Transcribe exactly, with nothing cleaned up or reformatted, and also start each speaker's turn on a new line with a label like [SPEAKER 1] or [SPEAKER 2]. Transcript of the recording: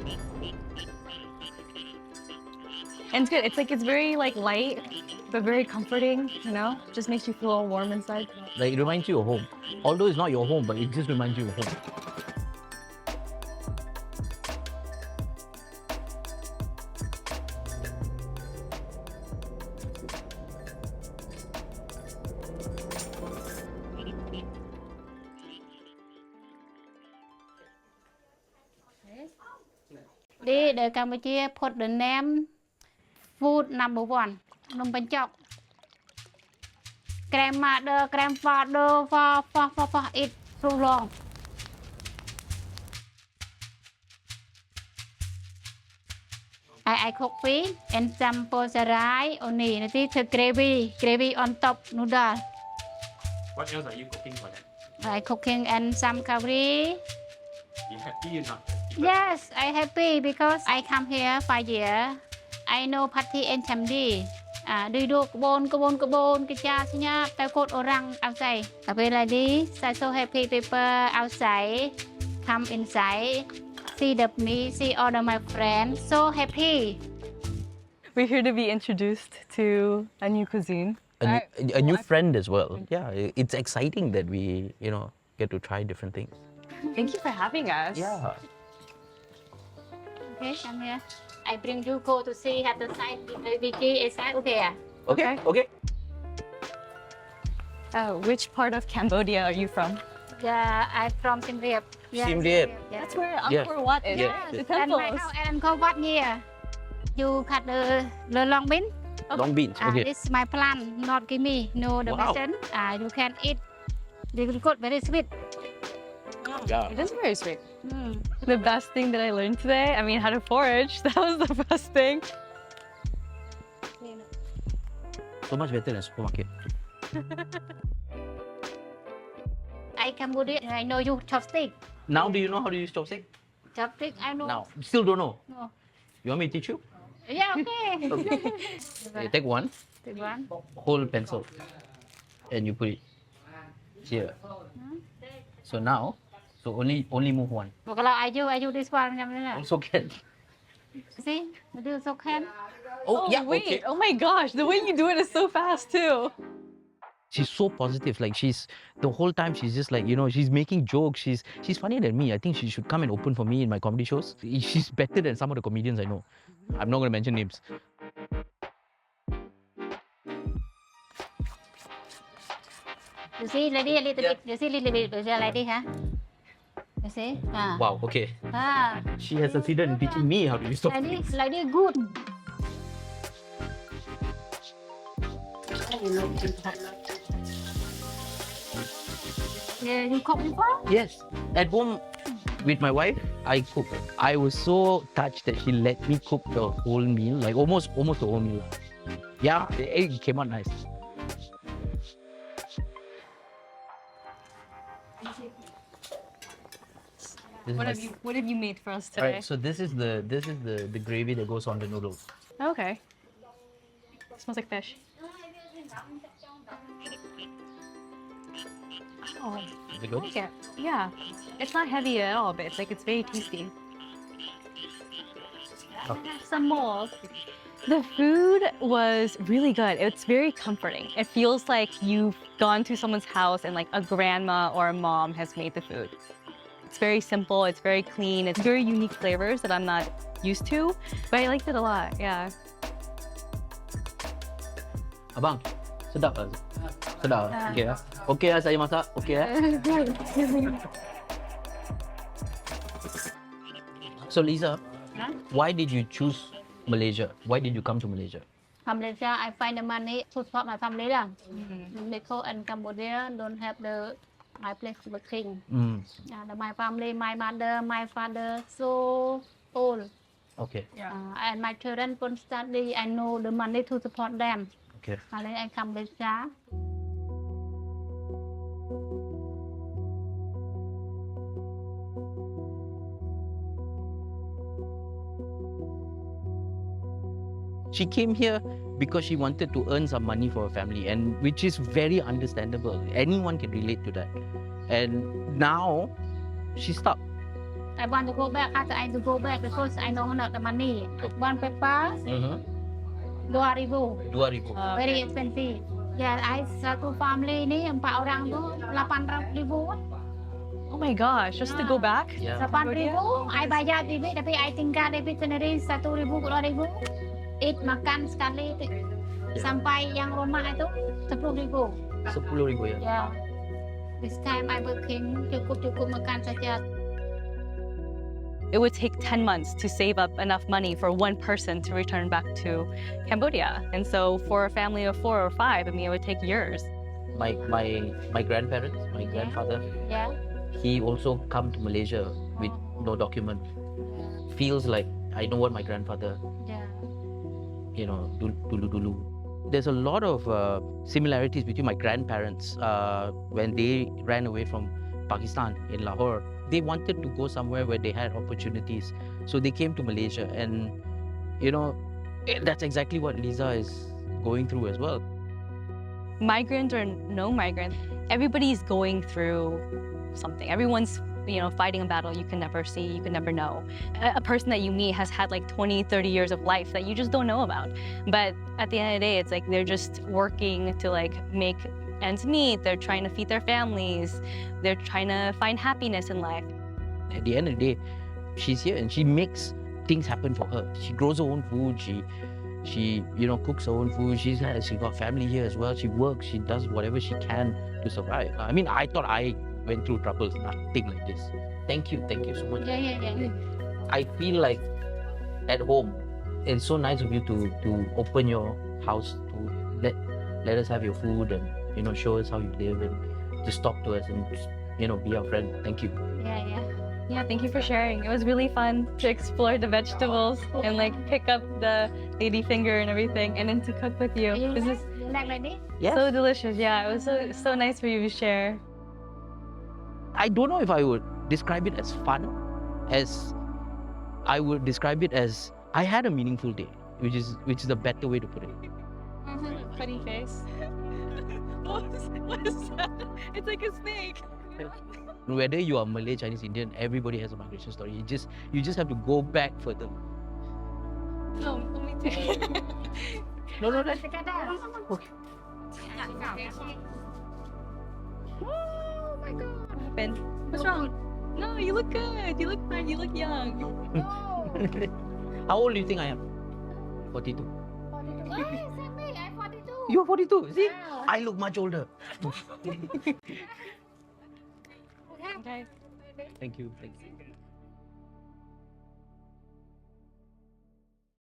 [SPEAKER 1] And it's good. It's like, it's very like light, but very comforting, you know? Just makes you feel all warm inside.
[SPEAKER 2] Like, it reminds you of home. Although it's not your home, but it just reminds you of home.
[SPEAKER 3] Đi để Campuchia put the name food number one. Nông bánh chọc. Grandmother, grandfather for for for for it so long. I I cook fish and some porcerai only. This is gravy, gravy on top noodle.
[SPEAKER 4] What else are you cooking for them?
[SPEAKER 3] I cooking and some curry.
[SPEAKER 4] You happy or not?
[SPEAKER 3] Yes, I happy because I come here five years. I know Patti and Chamdi. À, đi đua cái bồn, cái bồn, cái bồn, cái cha xí nhá, tao cốt orang outside. Cà phê là đi, I so happy people outside, come inside, see the me, see all of my friends, so happy.
[SPEAKER 1] We're here to be introduced to a new cuisine.
[SPEAKER 2] A, new,
[SPEAKER 1] Right.
[SPEAKER 2] a new friend as well. Yeah, it's exciting that we, you know, get to try different things.
[SPEAKER 1] Thank you for having us.
[SPEAKER 2] Yeah.
[SPEAKER 3] Okay, come here. I bring you go to see have the side the Vicky inside. Okay, à?
[SPEAKER 2] Okay, okay.
[SPEAKER 1] Uh, which part of Cambodia are you from?
[SPEAKER 3] Yeah, I'm from Siem Reap. Yeah,
[SPEAKER 2] Siem Reap.
[SPEAKER 3] Yeah.
[SPEAKER 1] That's where
[SPEAKER 2] Yeah.
[SPEAKER 1] Angkor Wat is,
[SPEAKER 2] Yeah.
[SPEAKER 1] right? The
[SPEAKER 3] And
[SPEAKER 1] temples.
[SPEAKER 3] my house and go what here? You cut the the long bean.
[SPEAKER 2] Long beans.
[SPEAKER 3] Ah,
[SPEAKER 2] Okay.
[SPEAKER 3] this is my plant, not give me. No, the
[SPEAKER 2] Wow.
[SPEAKER 3] medicine. Ah, you can eat. They will good, very sweet.
[SPEAKER 2] Yeah.
[SPEAKER 1] It is very sweet.
[SPEAKER 3] Mm.
[SPEAKER 1] The best thing that I learned today, I mean, how to forage. That was the best thing.
[SPEAKER 2] So much better than supermarket.
[SPEAKER 3] I Cambodia. I know you chopstick.
[SPEAKER 2] Now do you know how to use chopstick?
[SPEAKER 3] Chopstick, I know.
[SPEAKER 2] Now. Still don't know.
[SPEAKER 3] No.
[SPEAKER 2] You want me to teach you?
[SPEAKER 3] Yeah, okay.
[SPEAKER 2] You take one
[SPEAKER 3] Take one.
[SPEAKER 2] whole pencil and you put it here. So now, so only only move one.
[SPEAKER 3] But kalau I do, I do this one. Nhầm thế nào?
[SPEAKER 2] Also can.
[SPEAKER 3] See, I do so can.
[SPEAKER 2] Oh, yeah,
[SPEAKER 1] wait.
[SPEAKER 2] okay.
[SPEAKER 1] Oh my gosh, the way you do it is so fast too.
[SPEAKER 2] She's so positive. Like she's the whole time she's just like, you know, she's making jokes. She's she's funnier than me. I think she should come and open for me in my comedy shows. She's better than some of the comedians I know. I'm not gonna mention names.
[SPEAKER 3] You see, lady, a little bit. You see, little bit. You see, lady, huh? You see? Ah.
[SPEAKER 2] Wow, okay.
[SPEAKER 3] Ah.
[SPEAKER 2] She has succeeded in teaching me how to use
[SPEAKER 3] Like
[SPEAKER 2] chopsticks.
[SPEAKER 3] this, like this, good. Yeah, you cook before?
[SPEAKER 2] Yes. At home with my wife, I cook. I was so touched that she let me cook the whole meal, like almost almost the whole meal. Yeah, it, it came out nice. This is
[SPEAKER 1] What
[SPEAKER 2] my
[SPEAKER 1] have you What have you made for us
[SPEAKER 2] All
[SPEAKER 1] today?
[SPEAKER 2] right, so this is the this is the the gravy that goes on the noodles.
[SPEAKER 1] Okay. Smells like fish. Oh,
[SPEAKER 2] Is it good?
[SPEAKER 1] yeah, yeah. It's not heavy at all, but it's like it's very tasty.
[SPEAKER 2] Oh.
[SPEAKER 1] Some more. The food was really good. It's very comforting. It feels like you've gone to someone's house and like a grandma or a mom has made the food. It's very simple. It's very clean. It's very unique flavors that I'm not used to, but I liked it a lot. Yeah.
[SPEAKER 2] Abang, sedap tak? Sedap. Okay lah. Okay lah saya masak. Okay lah. So Lisa,
[SPEAKER 3] Huh?
[SPEAKER 2] why did you choose Malaysia? Why did you come to Malaysia?
[SPEAKER 3] From Malaysia, I find the money to support my family lah. Because in Cambodia don't have the my place working.
[SPEAKER 2] Mm.
[SPEAKER 3] Uh, the, my family, my mother, my father, so old.
[SPEAKER 2] Okay.
[SPEAKER 3] Uh, and my children don't study. I know the money to support them.
[SPEAKER 2] Okay.
[SPEAKER 3] And then I come Malaysia.
[SPEAKER 2] She came here because she wanted to earn some money for her family, and which is very understandable. Anyone can relate to that. And now she's stuck.
[SPEAKER 3] I want to go back after I to go back because I know not the money. One paper,
[SPEAKER 2] Mm-hmm.
[SPEAKER 3] dua ribu.
[SPEAKER 2] Dua ribu.
[SPEAKER 1] Uh,
[SPEAKER 3] Very expensive. Yeah, I satu family ni empat orang tu lapan ribu.
[SPEAKER 1] oh my gosh, just to go back?
[SPEAKER 2] Yeah.
[SPEAKER 3] Lapan
[SPEAKER 1] Cambodia?
[SPEAKER 3] ribu, I bayar debit tapi I tinggal debit sendiri satu ribu dua ribu. Eat makan sekali tu. Sampai yang rumah itu sepuluh ribu.
[SPEAKER 2] Sepuluh ribu ya.
[SPEAKER 3] Yeah. This time I working cukup-cukup makan saja.
[SPEAKER 1] It would take ten months to save up enough money for one person to return back to Cambodia. And so for a family of four or five, I mean, it would take years.
[SPEAKER 2] My my my grandparents, my grandfather,
[SPEAKER 3] Yeah.
[SPEAKER 2] he also come to Malaysia with no document. Feels like I know what my grandfather,
[SPEAKER 3] Yeah.
[SPEAKER 2] you know, dulu dulu. dulu. There's a lot of uh, similarities between my grandparents uh, when they ran away from Pakistan in Lahore. They wanted to go somewhere where they had opportunities, so they came to Malaysia, and you know, eh, that's exactly what Lisa is going through as well.
[SPEAKER 1] Migrant or no migrant, everybody's going through something. Everyone's, you know, fighting a battle you can never see, you can never know. A, a person that you meet has had like twenty, thirty years of life that you just don't know about. But at the end of the day, it's like they're just working to like make ends meet. They're trying to feed their families. They're trying to find happiness in life.
[SPEAKER 2] At the end of the day, she's here and she makes things happen for her. She grows her own food. She, she, you know, cooks her own food. She's has, she got family here as well. She works. She does whatever she can to survive. I mean, I thought I went through troubles, nothing like this. Thank you, thank you so much.
[SPEAKER 3] Yeah, yeah, yeah.
[SPEAKER 2] I feel like at home. It's so nice of you to to open your house to let let us have your food and you know show us how you live and just talk to us and just, you know be our friend. Thank you.
[SPEAKER 3] Yeah, yeah.
[SPEAKER 1] Yeah, thank you for sharing. It was really fun to explore the vegetables and like pick up the lady finger and everything and then to cook with you.
[SPEAKER 3] You
[SPEAKER 1] This
[SPEAKER 3] like,
[SPEAKER 1] is
[SPEAKER 3] you like like this?
[SPEAKER 2] Yes.
[SPEAKER 1] so delicious. Yeah, it was so so nice for you to share.
[SPEAKER 2] I don't know if I would describe it as fun, as I would describe it as I had a meaningful day, which is which is a better way to put it.
[SPEAKER 1] Funny face. what, is, what is that? It's like a snake.
[SPEAKER 2] Whether you are Malay, Chinese, Indian, everybody has a migration story. You just you just have to go back further.
[SPEAKER 1] No, let me take.
[SPEAKER 2] No, no, that,
[SPEAKER 3] Sekadar.
[SPEAKER 2] okay.
[SPEAKER 3] Oh my god.
[SPEAKER 1] What happened? What's wrong? No, you look good. You look fine. You look young.
[SPEAKER 2] How old do you think I am? Forty-two.
[SPEAKER 3] forty-two. Oh, same me. I'm forty-two.
[SPEAKER 2] You're forty-two. See,
[SPEAKER 3] Yeah.
[SPEAKER 2] I look much older.
[SPEAKER 1] Okay.
[SPEAKER 2] Thank you. Thank you.